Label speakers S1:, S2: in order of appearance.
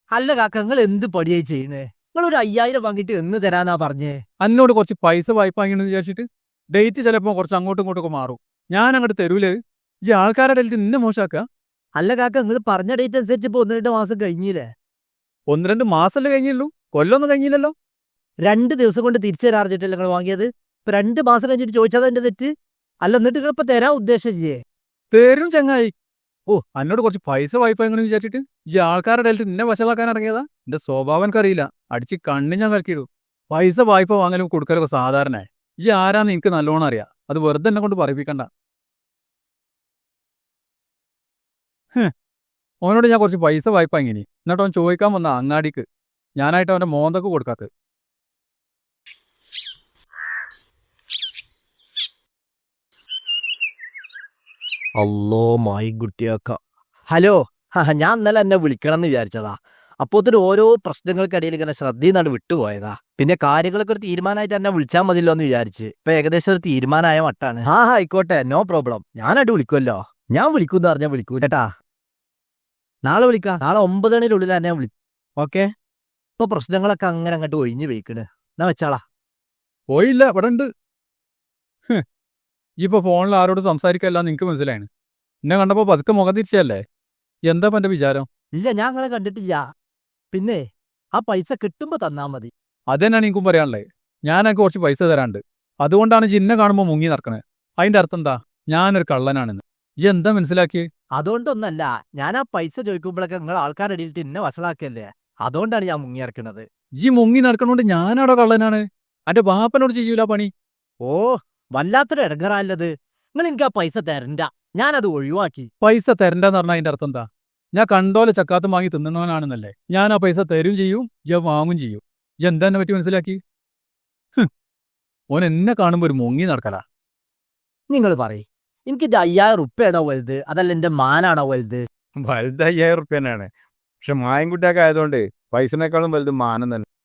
S1: അല്ല കാക്ക, നിങ്ങൾ എന്ത് പടിയായി ചെയ്യണേ? നിങ്ങൾ ഒരു 5000 വാങ്ങിയിട്ട് എന്ന് തരാന്നാ പറഞ്ഞേ?
S2: എന്നോട് കുറച്ച് പൈസ വായ്പ വാങ്ങിയെന്ന് വിചാരിച്ചിട്ട് ഡേറ്റ് ചിലപ്പോൾ കുറച്ച് അങ്ങോട്ടും ഇങ്ങോട്ടൊക്കെ മാറും. ഞാൻ അങ്ങോട്ട് തരൂലേ? ഈ ആൾക്കാരുടെ ഇടയിൽ നിന്നെ മോശമാക്കുക.
S1: അല്ല കാക്ക, നിങ്ങൾ പറഞ്ഞ ഡേറ്റ് അനുസരിച്ച് ഇപ്പൊ 1-2 മാസം കഴിഞ്ഞില്ലേ?
S2: 1-2 മാസമല്ലേ കഴിഞ്ഞുള്ളൂ, കൊല്ലമൊന്നും കഴിഞ്ഞില്ലല്ലോ.
S1: 2 ദിവസം കൊണ്ട് തിരിച്ചു തരാറിഞ്ഞിട്ടല്ലേ നിങ്ങൾ വാങ്ങിയത്? ഇപ്പൊ 2 മാസം കഴിഞ്ഞിട്ട് ചോദിച്ചാൽ എന്റെ തെറ്റ് അല്ല. എന്നിട്ട് നിങ്ങൾ ഇപ്പൊ തരാൻ ഉദ്ദേശിച്ചില്ലേ?
S2: തരും ചങ്ങായി. ഓ, എന്നോട് കുറച്ച് പൈസ വായ്പ എങ്ങനെ വിചാരിച്ചിട്ട് ഈ ആൾക്കാരുടെ ഇടയിൽ നിന്നെ വശമാക്കാൻ ഇറങ്ങിയതാ? എന്റെ സ്വഭാവം എനിക്കറിയില്ല, അടിച്ച് കണ്ണി ഞാൻ കലക്കിയിടും. പൈസ വായ്പ വാങ്ങലും കൊടുക്കലൊക്കെ സാധാരണ. ഈ ആരാന്ന് എനിക്ക് നല്ലോണം അറിയാം. അത് വെറുതെ എന്നെ കൊണ്ട് പറയിപ്പിക്കണ്ട. ഓനോട് ഞാൻ കുറച്ച് പൈസ വായ്പ വാങ്ങിനി, എന്നിട്ട് അവൻ ചോദിക്കാൻ വന്ന അങ്ങാടിക്ക്. ഞാനായിട്ട് അവന്റെ മോന്തൊക്കെ കൊടുക്കാത്ത.
S1: അല്ലോ മായി കുട്ടിയാക്ക. ഹലോ, ഞാൻ ഇന്നലെ എന്നെ വിളിക്കണം എന്ന് വിചാരിച്ചതാ. അപ്പോത്തിന് ഓരോ പ്രശ്നങ്ങൾക്കിടയിൽ ഇങ്ങനെ ശ്രദ്ധയിന്നാണ് വിട്ടുപോയതാ. പിന്നെ കാര്യങ്ങളൊക്കെ ഒരു തീരുമാനമായിട്ട് എന്നെ വിളിച്ചാൽ മതിയല്ലോ എന്ന് വിചാരിച്ച്. ഇപ്പൊ ഏകദേശം ഒരു തീരുമാനമായ മട്ടാണ്. ആയിക്കോട്ടെ, നോ പ്രോബ്ലം. ഞാനായിട്ട് വിളിക്കുമല്ലോ. ഞാൻ വിളിക്കൂന്ന് പറഞ്ഞാൽ വിളിക്കൂ കേട്ടാ. നാളെ വിളിക്കാം. നാളെ 9 മണിയുടെ തന്നെ വിളി. ഓക്കെ. ഇപ്പൊ പ്രശ്നങ്ങളൊക്കെ അങ്ങനെ അങ്ങോട്ട് ഒഴിഞ്ഞു പോയിക്കണ്. എന്നാ വെച്ചാളാ.
S2: പോയില്ല, ഇവിടെ ഉണ്ട്. ഇപ്പൊ ഫോണിൽ ആരോട് സംസാരിക്കല്ല നിനക്ക് മനസ്സിലായാണ്. എന്നെ കണ്ടപ്പോ പതുക്കെ മുഖം തിരിച്ചല്ലേ? എന്താ എന്റെ വിചാരം?
S1: ഇല്ല, ഞാൻ അങ്ങനെ കണ്ടിട്ടില്ല. പിന്നെ ആ പൈസ കിട്ടുമ്പോ തന്നാ മതി.
S2: അതെന്നാണ് എനിക്കും പറയാനുള്ളത്. ഞാൻ എനിക്ക് കുറച്ച് പൈസ തരാണ്ട്. അതുകൊണ്ടാണ് ജിന്നെ കാണുമ്പോൾ മുങ്ങി നടക്കണേ. അതിന്റെ അർത്ഥം എന്താ? ഞാനൊരു കള്ളനാണെന്ന്. ഈ എന്താ മനസ്സിലാക്കിയേ?
S1: അതുകൊണ്ടൊന്നല്ല, ഞാൻ ആ പൈസ ചോദിക്കുമ്പോഴൊക്കെ നിങ്ങൾ ആൾക്കാരുടെ ഇടയിൽ എന്നെ വഷളാക്കല്ലേ. അതുകൊണ്ടാണ് ഞാൻ മുങ്ങിയിറക്കണത്.
S2: ഈ മുങ്ങി നടക്കണോണ്ട് ഞാനാടോ കള്ളനാണ്? എന്റെ ബാപ്പനോട് ചെയ്യൂല പണി.
S1: ഓ, വല്ലാത്തൊരു ഇടങ്ങറാല്ലത്. നിങ്ങൾ എനിക്ക് ആ പൈസ തരണ്ട. ഞാനത് ഒഴിവാക്കി.
S2: പൈസ തരണ്ടെന്ന് പറഞ്ഞാൽ അതിന്റെ അർത്ഥം എന്താ? ഞാൻ കണ്ടോലെ ചക്കാത്തും വാങ്ങി തിന്നണവനാണെന്നല്ലേ? ഞാൻ ആ പൈസ തരും ചെയ്യും, ഞാൻ വാങ്ങും ചെയ്യും. എന്താ എന്നെ പറ്റി മനസ്സിലാക്കി? ഓൻ എന്നെ കാണുമ്പോ ഒരു മുങ്ങി നടക്കലാ.
S1: നിങ്ങൾ പറയും, എനിക്ക് 5000 ഉറുപ്പ്യാണോ വലുത്, അതല്ല എന്റെ മാനാണോ വലുത്?
S3: വലുത് 5000 റുപ്യ തന്നെയാണ്. പക്ഷെ മായൻകുട്ടിയൊക്കെ ആയതുകൊണ്ട് പൈസനേക്കാളും വലുത് മാനം തന്നെ.